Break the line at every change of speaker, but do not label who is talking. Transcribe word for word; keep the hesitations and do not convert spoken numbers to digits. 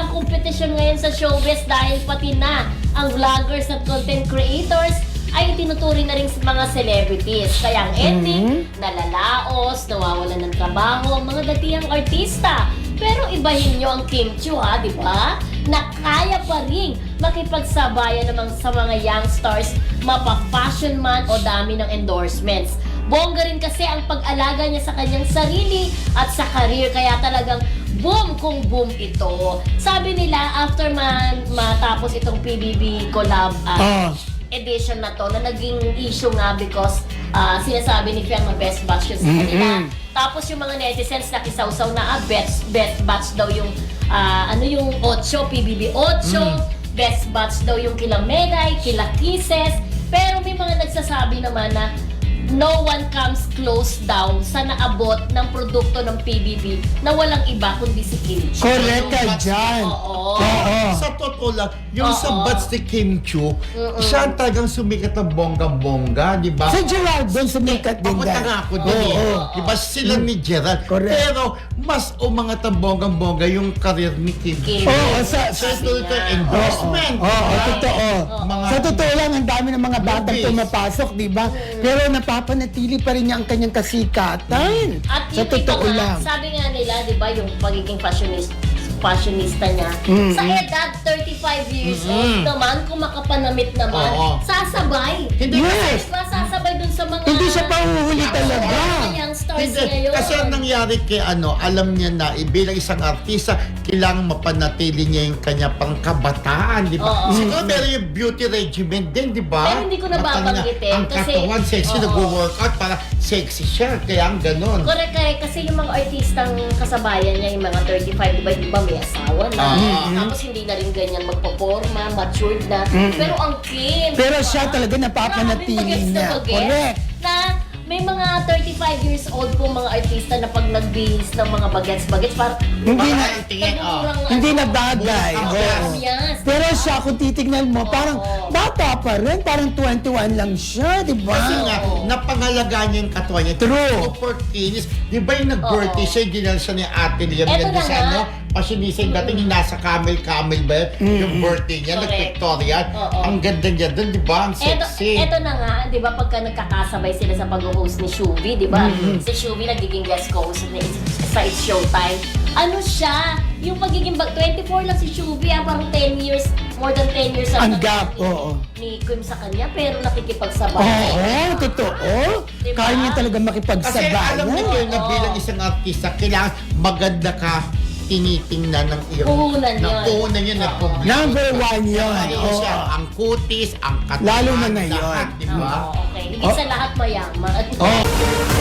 ang kompetisyon ngayon sa showbiz dahil pati na ang vloggers at content creators ay tinuturing na rin sa mga celebrities. Kaya ang ending, mm-hmm. nalalaos, nawawalan ng trabaho ang mga datihang artista. Pero ibahin nyo ang Kim Chiu ha, di ba? Na kaya pa rin makipagsabayan naman sa mga young stars, mapa-fashion man o dami ng endorsements. Bongga rin kasi ang pag-alaga niya sa kanyang sarili at sa career, kaya talagang boom kung boom ito. Sabi nila, after man matapos itong P B B collab uh, uh. edition na to, na naging issue nga because uh, sinasabi ni Fiang na best batch yun sa kanila. Mm-hmm. Tapos yung mga netizens nakisawsaw na ah, best, best batch daw yung uh, ano yung ocho, P B B ocho, mm. best batch daw yung kila Megay, kila Kisses. Pero may mga nagsasabi naman na no one comes close daw sa naabot ng produkto ng P B B na walang iba kundi si Kim Chiu.
Correct ka dyan.
Oo.
Oo. Sa totoo lang, yung
Oo.
sa bats ni Kim Chiu,
Mm-mm.
siya ang talagang sumikat ng bonggang-bongga, di ba?
Sa Gerald, doon sumikat din
Papunta
dahil.
nga ako din eh.
Oo.
Di ba sila ni Gerald?
Correct.
Pero mas umangat ang bonggang-bongga yung karir ni Kim
Kim.
Chiu.
Oo, sa-
Sa
sa-
ito
niya.
endorsement.
Oo, oo,
diba?
totoo.
Mga-
Sa totoo lang, ang dami ng mga batang
Movies.
pumapasok, di ba? Pero napapanatili pa rin niya ang kanyang kasikatan.
At
Sa
yung iba
totoo
nga,
lang.
sabi nga nila, di ba, yung pagiging fashionista, fashionista niya,
Mm-hmm.
sa edad thirty-five years
Mm-hmm.
old naman, kung makapanamit naman,
Oo.
sasabay.
Hindi
Yes.
Diba, sasabay dun sa mga...
Hindi siya pahuhuli talaga.
mga young stars
Hindi,
ngayon.
kasi ang nangyari kay ano, alam niya na eh, bilang isang artista, kailangan mapanatili niya yung kanya pangkabataan, di ba?
Oo.
Siguro meron yung beauty regimen din, di ba?
Pero hindi ko na
Matanda.
babanggitin
Ang
kasi-
katawan, sexy,
Oo.
nag-workout para sexy siya, kaya ang ganon.
Correct, correct. Kasi yung mga artistang kasabayan niya, yung mga thirty-five, di ba, di ba may asawa na.
Ah.
Tapos hindi na rin ganyan magpaporma, matured na.
Mm-hmm.
Pero ang Kim,
Pero
di ba?
siya talaga napapanatili
Maraming bagets na
niya.
bagets
Correct.
Na may mga thirty-five years old po mga artista na pag nagbihis ng mga bagets-bagets, parang
Hindi na-
Parang tingin, oh.
nagmumurang
Hindi
ano,
na bagay.
Ang
Oo.
yes.
yes.
Pero siya, kung titignan mo, parang
Oo.
bata pa rin. Parang twenty-one lang siya, di ba?
Kasi nga,
Oo.
napangalagaan niya yung katawan niya.
True.
Super kinis. Di ba yung nag-birthday
Oo.
siya, ginal siya ni Ate Liam.
Eto
Nandun
na
sa
nga.
ano, pasinisa yung dating yung nasa camel-camel ba yun? Yung birthday niya,
Correct.
nag-pictorial.
Oo.
Ang ganda niya doon, di ba? Ang
Eto,
sexy.
eto na nga, di ba, pagka nagkakasabay sila sa pag-host ni Shuvi, di ba?
Mm-hmm.
Si Shuvi nagiging guest co-host ni sa It's Showtime. Ano siya? Yung pagiging bag, twenty-four lang si Shuvi, ah, parang ten years, more than ten years
Ang
ang
gap,
ni,
oo.
ni Kim sa kanya, pero nakikipagsabay.
Oo, totoo.
Diba?
Kaya niya talaga
Kasi
makipagsabayan.
alam niyo yun na
Oo.
bilang isang artista, kailangan maganda ka tinitingnan ng iyong
Puhunan
ng
yun.
puhunan yun ng
Oo.
publiko.
Number one yun.
Ano
Oo.
siya, ang kutis, ang katawan,
Lalo na ngayon.
lahat, di ba?
Oo, okay. Higit sa lahat mayaman.
Oh.